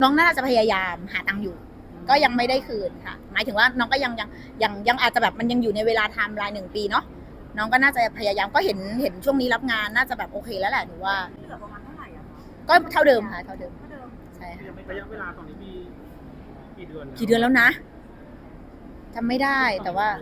น้องน่าจะพยายามหาตังค์อยู่ก็ยังไม่ได้คืนค่ะหมายถึงว่าน้องก็ยังอาจจะแบบมันยังอยู่ในเวลาไทม์ไลน์1 ปีเนาะน้องก็น่าจะพยายามก็เห็นช่วงนี้รับงานน่าจะแบบโอเคแล้วแหละหนูว่าเหลือประมาณเท่าไหร่อะคะก็เท่าเดิมค่ะเท่าเดิมใช่ค่ะระยะเวลาตอนนี้มีกี่เดือนแล้วนะจำไม่ได้แต่ว่า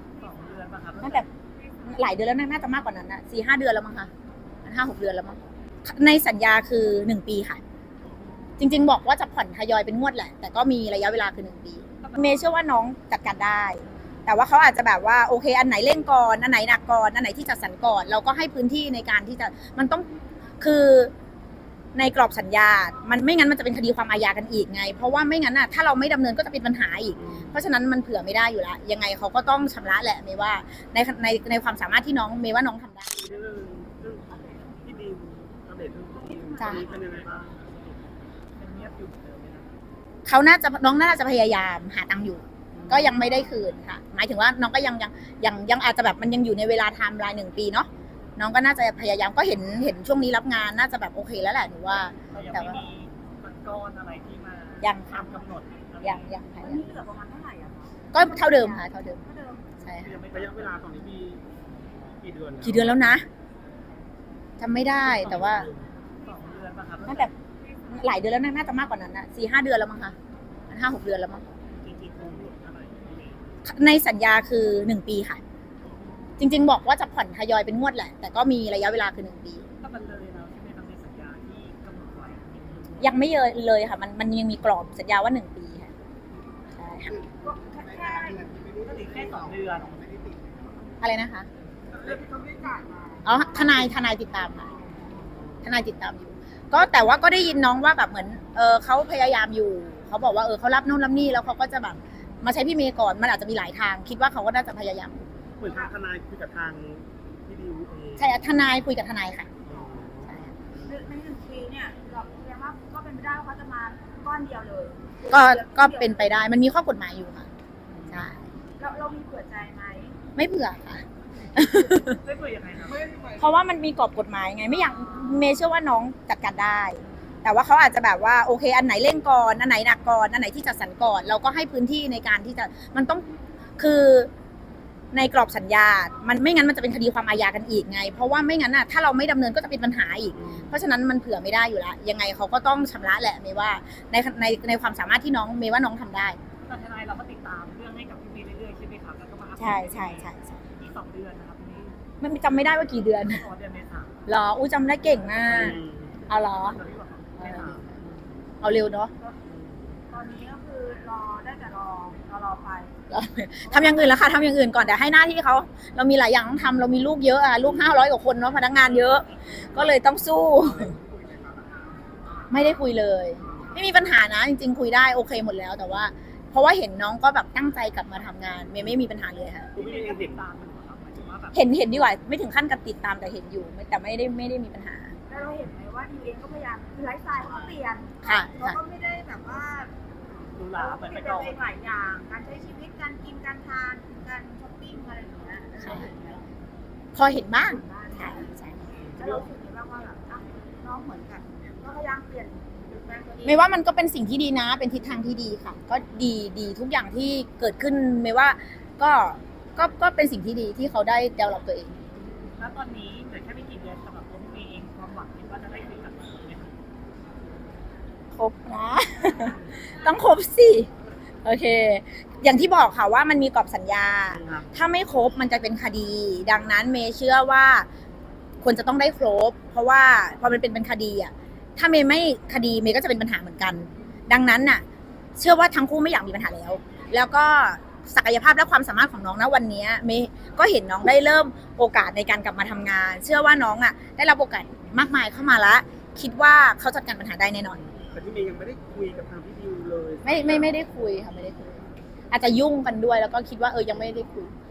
2 เดือนป่ะครับน่าจะหลายเดือนแล้วน่าจะมากกว่านั้นนะ4-5 เดือนแล้วมั้งคะ5-6 เดือนแล้วมั้งในสัญญาคือ1 ปีค่ะจริงๆบอกว่าจะผ่อนทยอยเป็นงวดแหละแต่ก็มีระยะเวลาคือ1 ปีเมย์เชื่อว่าน้องจัดการได้แต่ว่าเขาอาจจะแบบว่าโอเคอันไหนเร่งก่อนอันไหนหนักก่อนอันไหนที่จัดสรรก่อนเราก็ให้พื้นที่ในการที่จะมันต้องคือในกรอบสัญญามันไม่งั้นมันจะเป็นคดีความอาญากันอีกไงเพราะว่าไม่งั้นน่ะถ้าเราไม่ดำเนินก็จะเป็นปัญหาอีกเพราะฉะนั้นมันเผื่อไม่ได้อยู่แล้วยังไงเขาก็ต้องชำระแหละเมย์ว่าในความสามารถที่น้องเมย์ว่าน้องทำได้เรื่องที่ดิวอัปเดตเรื่องที่ดิวจ้ะเป็นยังไงบ้างยังเงียบอยู่เหมือนเดิมไหมนะน้องน่าจะพยายามหาตังค์อยู่ก็ยังไม่ได้คืนค่ะหมายถึงว่าน้องก็ยังอาจจะแบบมันยังอยู่ในเวลาไทม์ไลน์1 ปีเนาะน้องก็น่าจะพยายามก็เห็นช่วงนี้รับงานน่าจะแบบโอเคแล้วแหละหนูว่าแต่ยังไม่มีก้อนอะไรที่มายังตามกำหนดยังตอนนี้เหลือประมาณเท่าไหร่อะคะก็เท่าเดิมค่ะเท่าเดิมใช่ค่ะระยะเวลาตอนนี้มีกี่เดือนกี่เดือนแล้วนะจำไม่ได้แต่ว่า 2 เดือนป่ะครับน่าจะหลายเดือนแล้วน่าจะมากกว่านั้นนะ4-5 เดือนแล้วมั้งคะ5-6 เดือนแล้วมั้งจริงๆคงหมดอะไรในสัญญาคือ1 ปีค่ะจริงๆบอกว่าจะผ่อนทยอยเป็นงวดแหละแต่ก็มีระยะเวลาคือ1 ปีก็มันเลยแล้วใช่ไหมครับในสัญญาที่กำหนดไว้ยังไม่เลยค่ะมันยังมีกรอบสัญญาว่า1 ปีค่ะใช่ค่ะก็ถึงแค่2 เดือนอะไรนะคะเรื่องที่เขาไม่จ่ายมาอ๋อทนายติดตามค่ะทนายติดตามอยู่ก็แต่ว่าก็ได้ยินน้องว่าแบบเหมือนเขาพยายามอยู่เขาบอกว่าเขารับนู่นรับนี่แล้วเขาก็จะแบบมาใช้พี่เมย์ก่อนมันอาจจะมีหลายทางคิดว่าเขาก็น่าจะพยายามอยู่เหมือนทางทนายคุยกับทางพี่ดิวเองใช่ทนายคุยกับทนายค่ะใช่ค่ะใน1 ปีเนี่ยเราแสดงว่าก็เป็นไปได้ว่าเขาจะมาก้อนเดียวเลยก็เป็นไปได้มันมีข้อกฎหมายอยู่ค่ะใช่เรามีเผื่อใจไหมไม่เผื่อค่ะไม่เผื่อยังไงครับเพราะว่ามันมีกรอบกฎหมายไงไม่อยากเมย์เชื่อว่าน้องจัดการได้ แต่ว่าเขาอาจจะแบบว่าโอเคอันไหนเร่งก่อนอันไหนหนักก่อนอันไหนที่จัดสรรก่อนเราก็ให้พื้นที่ในการที่จะมันต้องคือในกรอบสัญญามันไม่งั้นมันจะเป็นคดีความอาญากันอีกไงเพราะว่าไม่งั้นน่ะถ้าเราไม่ดำเนินก็จะเป็นปัญหาอีกเพราะฉะนั้นมันเผื่อไม่ได้อยู่แล้วยังไงเขาก็ต้องชำระแหละเมย์ว่าในความสามารถที่น้องเมย์ว่าน้องทำได้ตอนทนายเราก็ติดตามเรื่องให้กับพี่เมย์เรื่อยๆใช่ไหมครับแล้วก็มาอัปเดตใช่อีก2 เดือนนะครับนี่มันจำไม่ได้ว่ากี่เดือนต่อเดือนเมษาหรอจำได้เก่งมากเอาเหรอตอนนี้บอกเมษาเอาเร็วเนาะตอนนี้ก็คือรอได้แต่รอไปทำอย่างอื่นแล้วค่ะทำอย่างอื่นก่อนแต่ให้หน้าที่เขาเรามีหลายอย่างต้องทำเรามีลูกเยอะลูก500 กว่าคนเนาะพนักงานเยอะ ก็เลยต้องสู้ ไม่ได้คุยเลย ไม่มีปัญหานะจริงๆคุยได้โอเคหมดแล้วแต่ว่า เพราะว่าเห็นน้องก็แบบตั้งใจกลับมาทำงานไม่มีปัญหาเลยค่ะพี่เมย์ก็ติดตามมันเหรอครับหมายถึงว่าแบบเห็นดีกว่าไม่ถึงขั้นกับติดตามแต่เห็นอยู่แต่ไม่ได้มีปัญหาแล้วเราเห็นไหมว่าดีเองก็พยายามคือไลฟ์สไตล์เขาเปลี่ยนค่ะเขาก็ไม่ได้แบบว่าดูหลาเหมือนไปก่อนหลายอย่างการใช้ชีวิตการกินการทานการช้อปปิ้งอะไรอย่างเงี้ยพอเห็นบ้างใช่แล้วเราสึกยังไงบ้างว่าแบบน้องเหมือนกันก็พยายามเปลี่ยนแปลงตัวเองไม่ว่ามันก็เป็นสิ่งที่ดีนะเป็นทิศทางที่ดีค่ะ ก็ดีทุกอย่างที่เกิดขึ้นไม่ว่าก็เป็นสิ่งที่ดีที่เขาได้เดาลับตัวเองแล้วตอนนี้เหลือแค่ไม่กี่เดือนสำหรับตัวพี่เองความหวังคิดว่าจะได้คุยกับเราไหมคะครบนะ ต้องครบสิโอเค อย่างที่บอกค่ะว่ามันมีกรอบสัญญา ถ้าไม่ครบมันจะเป็นคดี ดังนั้นเมย์เชื่อว่าควรจะต้องได้ครบ เพราะว่าพอมันเป็นคดีอ่ะถ้าเมย์ไม่คดีเมย์ก็จะเป็นปัญหาเหมือนกัน ดังนั้นน่ะเชื่อว่าทั้งคู่ไม่อยากมีปัญหาแล้วก็ศักยภาพและความสามารถของน้องนะวันนี้เมย์ก็เห็นน้องได้เริ่มโอกาสในการกลับมาทำงาน เชื่อว่าน้องอ่ะได้รับโอกาสมากมายเข้ามาแล้วคิดว่าเขาจัดการปัญหาได้แน่นอนแต่พี่เมย์ยังไม่ได้คุยกับทางพี่ดิวเลยไม่ได้คุยค่ะไม่ได้คุยอาจจะยุ่งกันด้วยแล้วก็คิดว่ายังไม่ได้คุย